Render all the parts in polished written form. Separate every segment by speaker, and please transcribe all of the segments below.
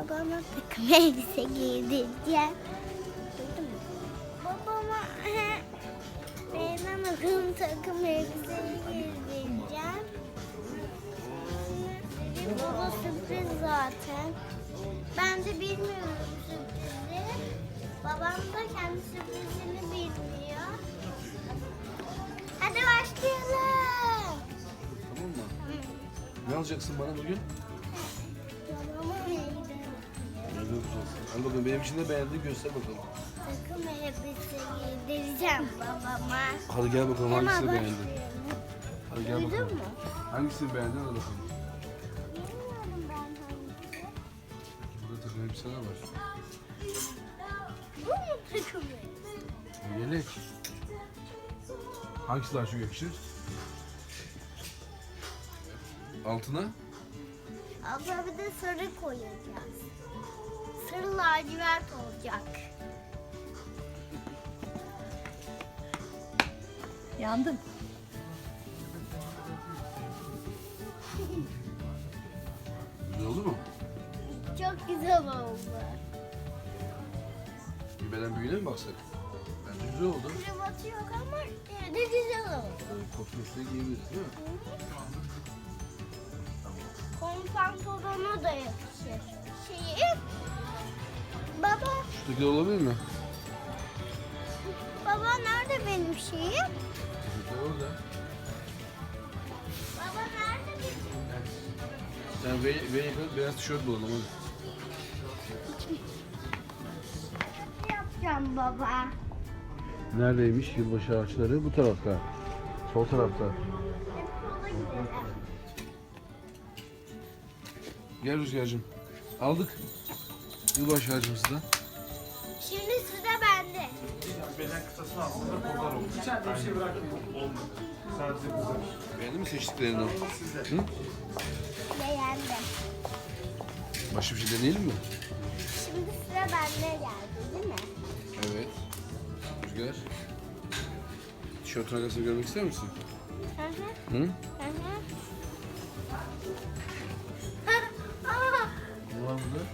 Speaker 1: babama takım elbise giydireceğim. Duydun mu? Babama benim akım takım elbiseyi giydireceğim. Dedim baba sürpriz zaten. Ben de bilmiyorum sürprizi. Babam da kendi sürprizini bilmiyor. Hadi başlayalım.
Speaker 2: Tamam mı? Ne alacaksın bana bugün?
Speaker 1: Babama neydi?
Speaker 2: Ne yapacaksın? Al bakalım, benim için de beğendiğini göster bakalım.
Speaker 1: Takım elbise giydireceğim babama.
Speaker 2: Hadi gel bakalım,
Speaker 1: Hemen
Speaker 2: hangisini beğendin?
Speaker 1: başlayalım.
Speaker 2: Hadi gel
Speaker 1: Duydun
Speaker 2: bakalım.
Speaker 1: mu?
Speaker 2: Hangisini beğendin, hadi bakalım.
Speaker 1: Bilmiyorum ben hangisi.
Speaker 2: Burada takım elbiseler var.
Speaker 1: Bu mu takım elbise?
Speaker 2: Yelek. Hangisi daha çok yakışır? Altına?
Speaker 1: Abla bir de sarı koyacağız. Sarı lacivert olacak.
Speaker 3: Yandım.
Speaker 2: Güzel oldu mu?
Speaker 1: Çok güzel oldu.
Speaker 2: Büyümeden büyüğüne mi baksak? Bence güzel oldu.
Speaker 1: Kravatı yok ama yine de güzel oldu.
Speaker 2: Kotun üstüne giyebiliriz değil mi?
Speaker 1: Kol pantolonu da yakışır. Baba,
Speaker 2: Şuradaki olabilir mi?
Speaker 1: baba nerede benim şeyim?
Speaker 2: Şuradaki orada.
Speaker 1: Baba nerede benim?
Speaker 2: Sen ve yakın beyaz tişört bulalım hadi.
Speaker 1: Ne yapacağım baba?
Speaker 2: Neredeymiş yılbaşı ağaçları? Bu tarafta. Sol tarafta.
Speaker 1: Hep sola gidelim.
Speaker 2: Gel Rüzgar'cığım. Aldık. Yılbaşı ağacımızı da.
Speaker 1: Şimdi sıra bende.
Speaker 4: Beden kısasını aslında kodlar olmuş. İçeride bir şey bırakmıyor. Olmadı. Sadece kızar.
Speaker 2: Beğendin mi seçtiklerini? Hı?
Speaker 1: Beğendim.
Speaker 2: Başka bir şey deneyelim mi?
Speaker 1: Şimdi sıra bende geldi değil mi?
Speaker 2: Evet. Rüzgar. Tişörtün arkasını görmek ister misin?
Speaker 1: Hı hı.
Speaker 2: Hı?
Speaker 1: Hı hı. Aa,
Speaker 2: Ne var burada?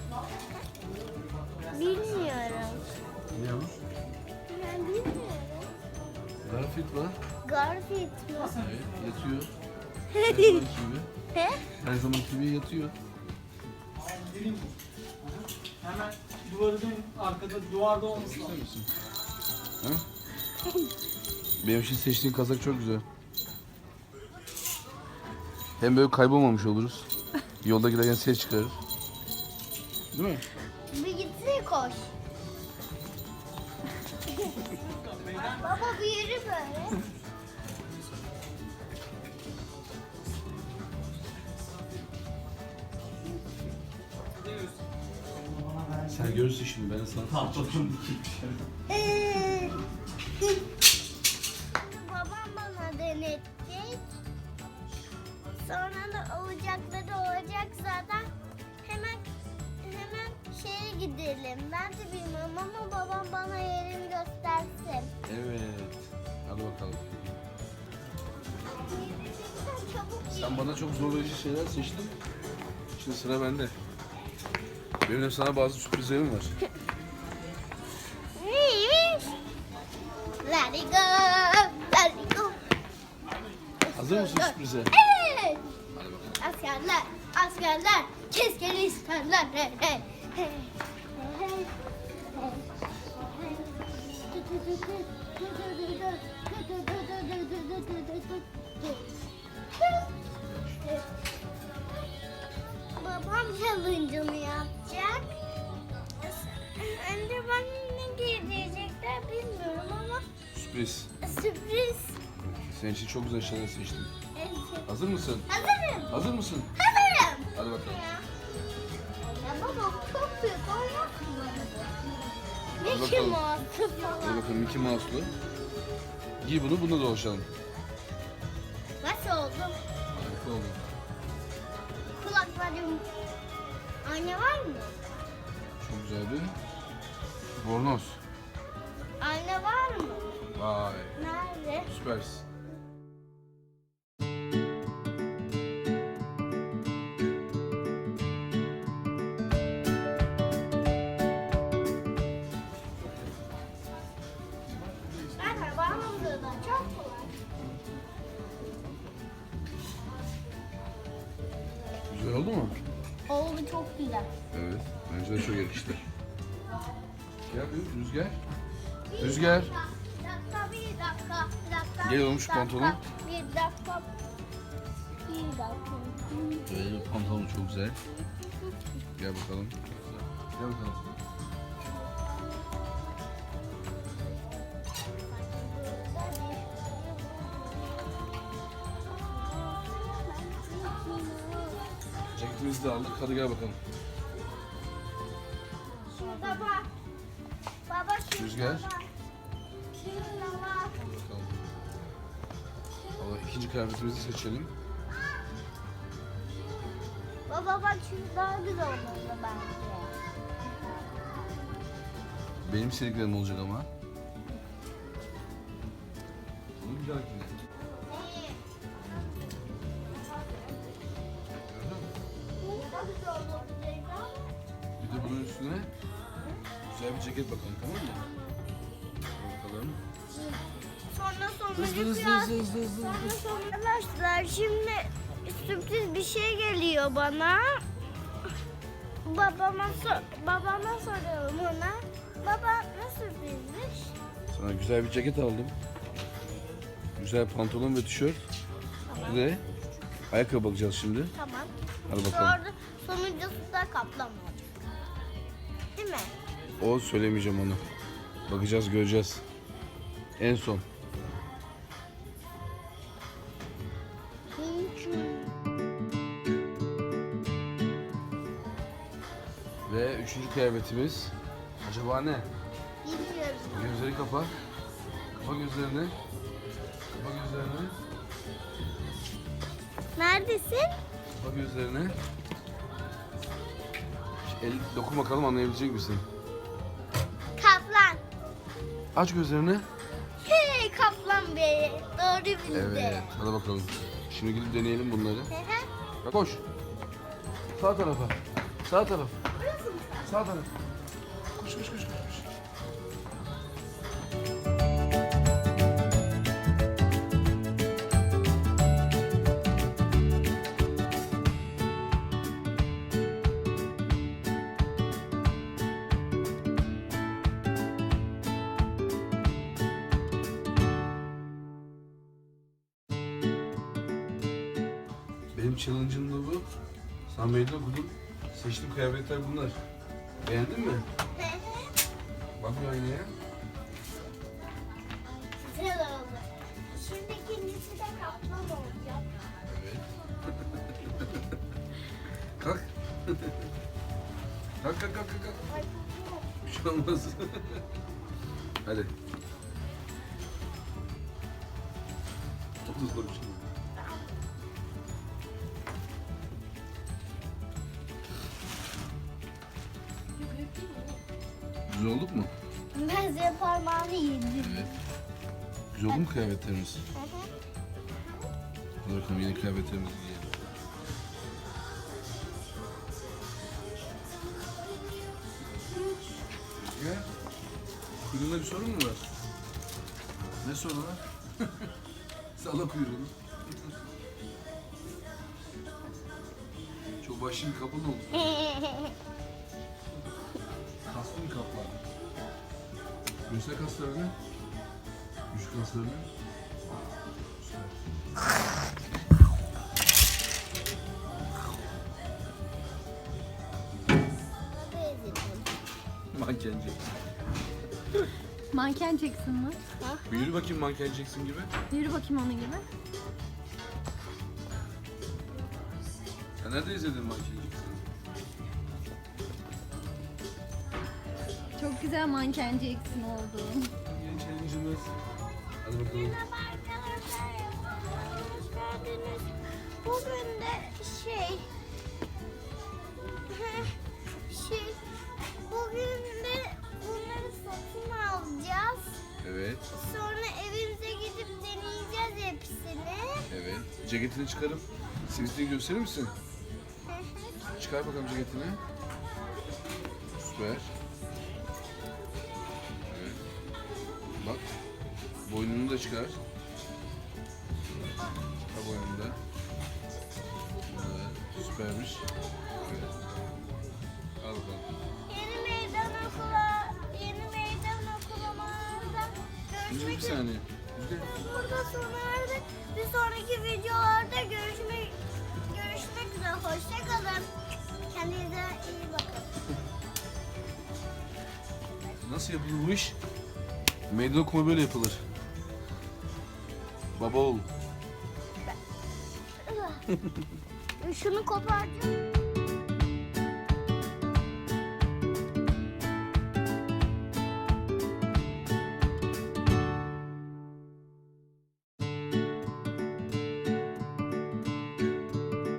Speaker 1: bilmiyorum.
Speaker 2: Ne var?
Speaker 1: Ben bilmiyorum.
Speaker 2: Garfield var.
Speaker 1: Garfield mı?
Speaker 2: Evet. Yatıyor. Her zamanki gibi.
Speaker 1: He?
Speaker 2: Her zamanki gibi yatıyor.
Speaker 4: Hemen duvarın arkada, duvarda olması
Speaker 2: İster
Speaker 4: lazım.
Speaker 2: misin? Ha? Benim için seçtiğin kazak çok güzel. Hem böyle kaybolmamış oluruz. Yolda giderken ses çıkarır. Değil mi?
Speaker 1: Bir gitsene koş. Baba bir yürü böyle.
Speaker 2: Sen görürsün şimdi, ben sana seçeceğim.
Speaker 1: Babam bana denetecek. Sonra da olacakları olacak zaten. Hemen şeye gidelim. Ben de bilmiyorum ama babam bana yerini göstersin.
Speaker 2: Evet. Hadi bakalım.
Speaker 1: Sen çabuk git.
Speaker 2: Sen bana çok zorlayıcı şeyler seçtin. Şimdi sıra bende. Benim de sana bazı sürprizlerim var.
Speaker 1: Neymiş? Let it go. Let it go.
Speaker 2: Hazır mısın sürprize?
Speaker 1: Evet.
Speaker 2: Hadi bakalım.
Speaker 1: Askerler, askerler, keskin isterler. Hey, hey, hey. Hey, hey. Babam challenge'ını yapacak. Önce bana ne giydirecekler bilmiyorum ama
Speaker 2: Sürpriz.
Speaker 1: sürpriz.
Speaker 2: Senin için çok güzel şeyler seçtim.
Speaker 1: Evet.
Speaker 2: Hazır mısın?
Speaker 1: Hazırım.
Speaker 2: Hazır mısın?
Speaker 1: Hazırım.
Speaker 2: Hadi bakalım.
Speaker 1: Ya baba çok büyük olmaz mı bana bu?
Speaker 2: Hadi
Speaker 1: Mickey
Speaker 2: bakalım.
Speaker 1: Mouse
Speaker 2: Hadi
Speaker 1: falan.
Speaker 2: bakalım Mickey Mouse'lu. Giy bunu, bununla dolaşalım.
Speaker 1: Nasıl oldu?
Speaker 2: Harika oldu.
Speaker 1: Kulaklarım. Anne var mı?
Speaker 2: Çok güzel bir bornoz.
Speaker 1: Anne var mı?
Speaker 2: Vay,
Speaker 1: Nerede?
Speaker 2: süpersin. oldu mu?
Speaker 1: Oldu, çok güzel.
Speaker 2: Evet. Bence de çok yakıştı. Gel bir Rüzgar. Rüzgar.
Speaker 1: Bir dakika.
Speaker 2: Gel oğlum şu pantolon.
Speaker 1: Bir dakika.
Speaker 2: Evet, pantolon çok güzel. Gel bakalım. Gel bakalım. Ceketimizi de aldık. Hadi gel bakalım.
Speaker 1: Şurada bak. Baba şurada
Speaker 2: Rüzgar.
Speaker 1: bak. Şurada bak.
Speaker 2: Bakalım. Allah, ikinci kıyafetimizi seçelim.
Speaker 1: Baba bak, şu daha güzel olmalı bence.
Speaker 2: Benim istediklerim olacak ama. Bunu bir dahakine. Bir de bunun üstüne güzel bir ceket bakalım, tamam mı? Bakalım.
Speaker 1: Sonra
Speaker 2: Hızlı.
Speaker 1: Arkadaşlar, şimdi sürpriz bir şey geliyor bana. Babama soralım ona. Baba, ne sürprizmiş?
Speaker 2: Sana güzel bir ceket aldım. Güzel pantolon ve tişört. Bir de ayakkabı bakacağız şimdi.
Speaker 1: Tamam.
Speaker 2: Hadi bakalım.
Speaker 1: Sonra sonuncusu da kaplama olacak. Değil mi?
Speaker 2: O söylemeyeceğim onu. Bakacağız, göreceğiz. En son. Ve üçüncü kıyafetimiz. Acaba ne?
Speaker 1: Bilmiyorum.
Speaker 2: Gözleri kapa. Kapa gözlerini. Kapa gözlerini.
Speaker 1: Neredesin?
Speaker 2: Kapa gözlerini. El dokun bakalım, anlayabilecek misin?
Speaker 1: Kaplan.
Speaker 2: Aç gözlerini.
Speaker 1: Hey, kaplan be. Doğru bildi.
Speaker 2: Evet, hadi bakalım. Şimdi gidip deneyelim bunları.
Speaker 1: Hı hı.
Speaker 2: Ya koş. Sağ tarafa. Sağ taraf.
Speaker 1: Burası mı?
Speaker 2: Sağ taraf. Koş. Benim challenge'ım da bu. Sen meydan okudun. Seçtiğim kıyafetler bunlar. Beğendin mi?
Speaker 1: Hı hı.
Speaker 2: Bak bir aynaya.
Speaker 1: Güzel oldu. Şimdi ikincisi de kaplan olacak.
Speaker 2: Evet. Kalk. kalk.
Speaker 1: Ay,
Speaker 2: Bir şey olmaz. Hadi. Otuz bir şey. Güzel olduk mu?
Speaker 1: ben size parmağını yedim.
Speaker 2: Evet. Güzel oldu mu kıyafetlerimiz?
Speaker 1: Hı hı.
Speaker 2: Hadi bakalım, yeni kıyafetlerimizi giyelim. Gel. Kuyruğunda bir sorun mu var? Ne sorunu var? Salla kuyruğunu. Çok başın kapalı oldu. Kaslı bir kaplar. Göster kaslarını. Güç kaslarını. Süper. Mankenci.
Speaker 3: Manken Jackson mı?
Speaker 2: Bir yürü bakayım manken Jackson gibi.
Speaker 3: Yürü bakayım onun gibi.
Speaker 2: Sen nerede izledin manken Jackson'ı?
Speaker 3: Çok güzel manken Jackson oldu.
Speaker 2: Yeni challenge'ımız. Hadi bakalım.
Speaker 1: Merhaba arkadaşlar. Hoş geldiniz. Bugün de bugün de bunları satın alacağız.
Speaker 2: Evet,
Speaker 1: Sonra evimize gidip deneyeceğiz hepsini.
Speaker 2: evet. Ceketini çıkarıp sivitini gösterir misin? Çıkar bakalım ceketini. Süper. Evet. Bak. Boynunu da çıkar. Çıkar boynunu da. Evet, süper. Süpermiş. Al bakalım.
Speaker 1: Yeni meydan okulumuzda
Speaker 2: Şimdi
Speaker 1: görüşmek
Speaker 2: bir
Speaker 1: üzere.
Speaker 2: saniye. Rüzgar.
Speaker 1: Burada sona erdik. Bir sonraki videolarda görüşmek üzere. Hoşça kalın. Kendinize iyi bakın.
Speaker 2: Nasıl yapılır bu iş? Meydan okuma böyle yapılır. Baba oğul.
Speaker 1: Şunu koparacağım.